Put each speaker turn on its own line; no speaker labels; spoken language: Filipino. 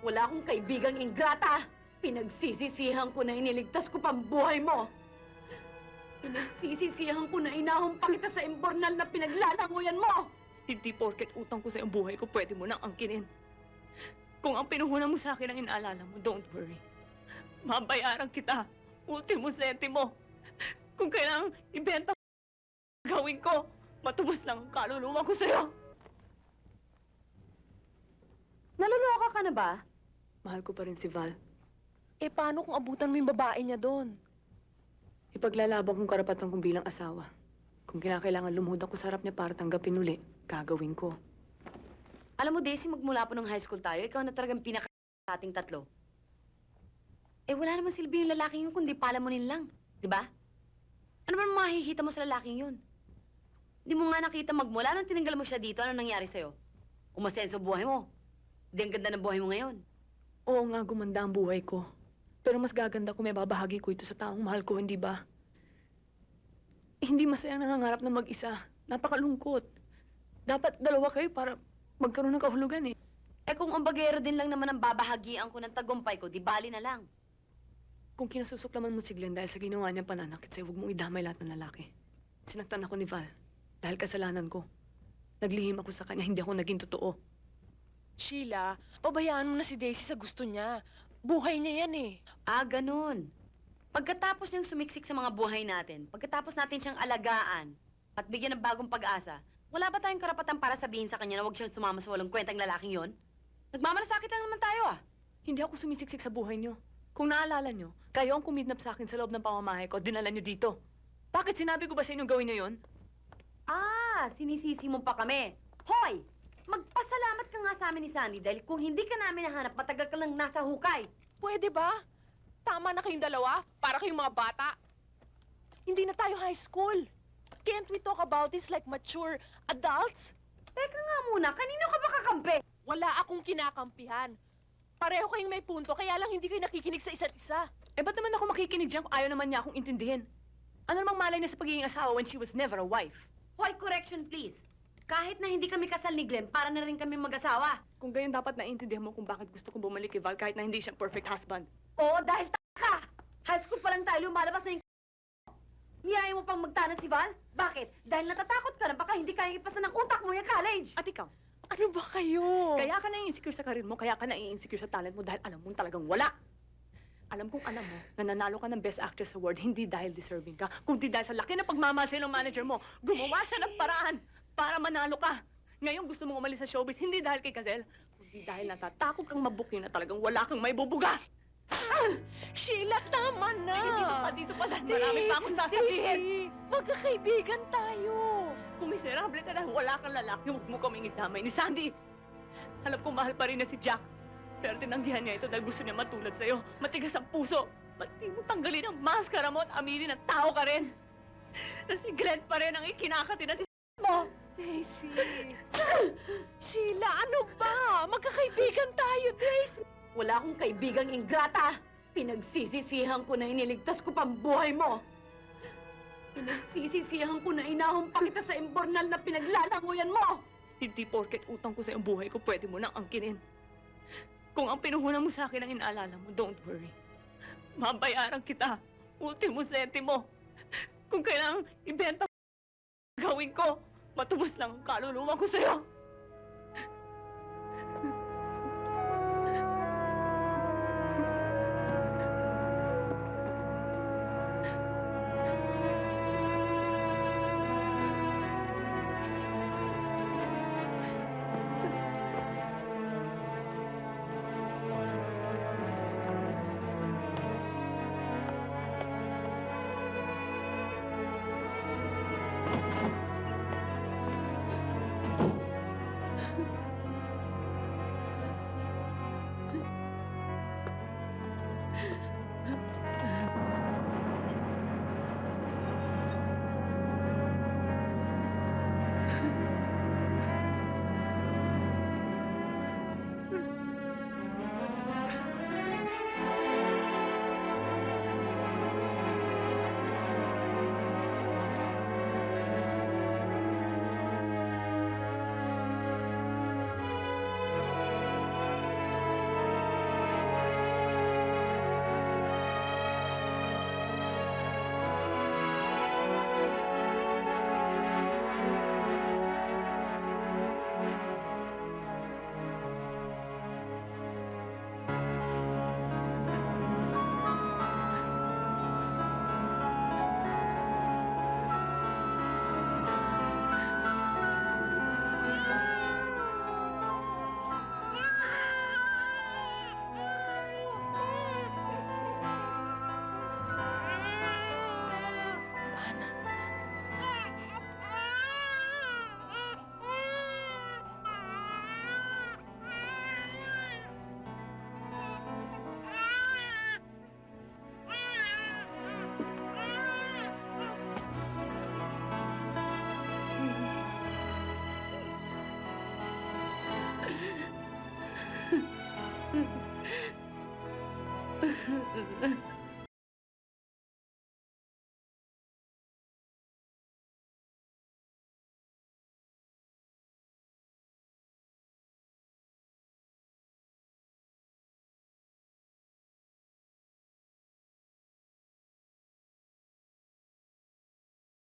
Wala akong kaibigang ingrata! Pinagsisisihan ko na iniligtas ko pang buhay mo! Pinagsisisihan ko na inahon pa kita sa imbornal na pinaglalanguyan mo!
Hindi porket utang ko sa iyong buhay ko, pwede mo nang angkinin. Kung ang pinuhunan mo sa akin ang inaalala mo, don't worry. Mabayaran kita. Ultimo sentimo. Kung kailangang ibenta gawin ko, matubos lang ang kaluluwa ko sa'yo.
Naluloka ka na ba?
Mahal ko pa rin si Val.
Eh, paano kung abutan mo yung babae niya doon?
Ipaglalaban kong karapatan kong bilang asawa. Kung kinakailangan lumuhod ako sa harap niya para tanggapin uli, gagawin ko.
Alam mo, Daisy, magmula po nung high school tayo, ikaw na talagang pinaka sa ating tatlo. Eh, wala naman silbi yung lalaking yun kundi palamunin lang. Di ba? Ano man mahihita mo sa lalaking yun? Di mo nga nakita magmula nung tinanggal mo siya dito, ano nangyari sa'yo? Umasenso buhay mo. Di ang ganda ng buhay mo ngayon.
Oo nga, gumanda ang buhay ko. Pero mas gaganda kung may babahagi ko ito sa taong mahal ko, hindi ba? Hindi masayang nangangarap na mag-isa. Napakalungkot. Dapat dalawa kayo para magkaroon ng kahulugan eh.
Eh kung umbagero din lang naman ang babahagian ko ng tagumpay ko, di bali na lang.
Kung kinasusuklaman mo si Glenn dahil sa ginawa niyang pananakit sa'yo, huwag mong idamay lahat ng lalaki. Sinaktan ako ni Val dahil kasalanan ko. Naglihim ako sa kanya, hindi ako naging totoo.
Sheila, pabayaan mo na si Daisy sa gusto niya. Buhay niya yan eh.
Ah, ganun. Pagkatapos niyang sumiksik sa mga buhay natin, pagkatapos natin siyang alagaan at bigyan ng bagong pag-asa, wala ba tayong karapatan para sabihin sa kanya na huwag siyang sumama sa walang kwentang lalaking yon? Nagmamalasakit lang naman tayo ah.
Hindi ako sumisiksik sa buhay niyo. Kung naalala niyo, kayo ang kumidnap sa akin sa loob ng pamamahay ko, dinala niyo dito. Bakit sinabi ko ba sa inyong gawin niyo yon?
Ah, sinisisi mo pa kami. Hoy! Magpasalamat ka nga sa amin ni Sandy dahil kung hindi ka namin nahanap, matagal ka lang nasa hukay.
Pwede ba? Tama na kayong dalawa, para kayong mga bata. Hindi na tayo high school. Can't we talk about this like mature adults?
Teka nga muna, kanino ka ba kakampi?
Wala akong kinakampihan. Pareho kayong may punto, kaya lang hindi kayo nakikinig sa isa't isa.
Eh, ba't naman ako makikinig dyan kung ayaw naman niya akong intindihin? Ano namang malay niya sa pagiging asawa when she was never a wife?
Hoy, correction please. Kahit na hindi kami kasal ni Glenn, para na rin kami mag-asawa.
Kung gayon, dapat naiintindihan mo kung bakit gusto kong bumalik kay Val kahit na hindi siya perfect husband.
Oo, dahil ka! High school pa lang tayo, lumalabas na yung niyaya mo pang magtanat si Val? Bakit? Dahil natatakot ka na baka hindi kayang ipasa ng utak mo yung college.
At ikaw,
Ano ba kayo?
kaya ka na-insecure sa karir mo, kaya ka na-insecure sa talent mo dahil alam mong talagang wala. Alam kong alam mo na nanalo ka ng Best Actress Award hindi dahil deserving ka, kundi dahil sa laki na pagmamahal ng manager mo. Gumawa siya ng paraan para manalo ka. Ngayon gusto mong umalis sa showbiz hindi dahil kay Gazelle, kundi dahil natatakot kang mabuking na talagang wala kang may bubuga.
Sheila, tama na!
Dito pa dahil marami pa akong sasabihin.
Daisy, magkakaibigan tayo.
Kung miserable ka dahil wala kang lalaki, huwag mo kaming idamay ni Sandy. Alam kong mahal pa rin na si Jack. Pero tinanggihan niya ito dahil gusto niya matulad sa'yo. Matigas ang puso. Ba't di mo tanggalin ang maskara mo at aminin na tao ka rin? Na si Glenn pa rin ang ikinakati na mo.
Daisy. Sheila, ano ba? Magkakaibigan tayo, Daisy.
Wala akong kaibigang ingrata. Pinagsisisihan ko na iniligtas ko pang buhay mo. Pinagsisisihan ko na inahon pa kita sa imbornal na pinaglalanguyan mo.
Hindi porket utang ko sa iyong buhay ko, pwede mo nang angkinin. Kung ang pinuhunan mo sa akin ang inaalala mo, don't worry. Mabayaran kita. Ultimo sentimo. Kung kailangang ibenta gawin ko, matubos lang ang kaluluwa ko sa'yo.